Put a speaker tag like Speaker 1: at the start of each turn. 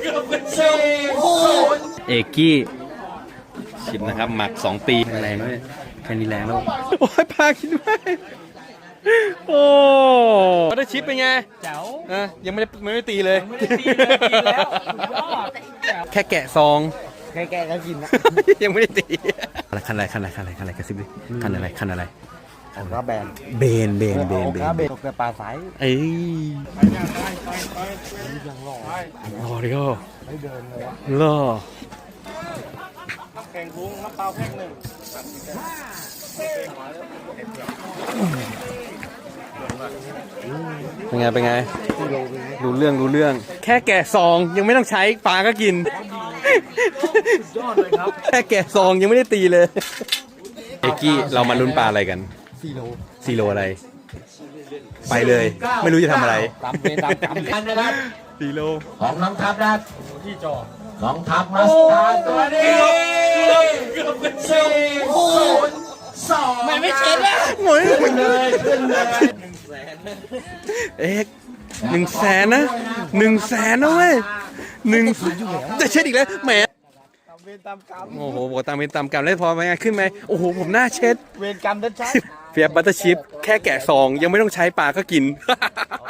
Speaker 1: เอกกี้ชิมนะครับหมัก2 ปีแรงด้วยแค่นี้แรงแล้วโอ้ยพาคิดว่าโอ้บัตเตอร์ชิปเป็นไง
Speaker 2: แจ๋ว
Speaker 1: ยังไม่ได้ตีเลย
Speaker 2: กินแล้ว
Speaker 1: แค่แกะซอง
Speaker 2: แกก็กินนะ
Speaker 1: ยังไม่ได้ตีคันอะไรกระซิบดิคันอะไร
Speaker 2: ของก็แบน
Speaker 1: เบน
Speaker 2: ตกแต่ปลาสาย
Speaker 1: เอ้ยรอดิโก้
Speaker 2: ไม่เดินเลยวะ
Speaker 1: รอ
Speaker 2: แข่งพุงน้ำเปล่าแพ็คหนึ่ง
Speaker 1: เป็นไงรู้เรื่องแค่แกะซองยังไม่ต้องใช้ปลาก็กิน
Speaker 2: ยอดเลยครับ
Speaker 1: แค่แกะซองยังไม่ได้ตีเลยเอกกี้เรามาลุ้นปลาอะไรกัน4 โลอะไรไปเลยไม่รู้จะทำอะไร
Speaker 2: ตามเวรตามกรรมนะครับ
Speaker 1: 4 โล
Speaker 3: ของน้องทัพนะ
Speaker 2: ที่จอ
Speaker 3: น้องทัพมาสตาร์ตัวนี้
Speaker 2: ไม่เช็ดแล้ว
Speaker 1: โอ้ย
Speaker 3: ขึ้นเลย
Speaker 1: เอก100,000นะ100,000นะเว้ยจะเช็ดอีกแล้วแหม
Speaker 2: ตามเวรตามกรรม
Speaker 1: โอ้โหบอกตามเวรตามกรรมแล้วพอไปไงขึ้นไหมโอ้โหผมหน้าเช็ด
Speaker 2: เวรกรรมชัด
Speaker 1: เฟียบบัตเตอร์ชิพแค่แกะซองยังไม่ต้องใช้ปลาก็กิน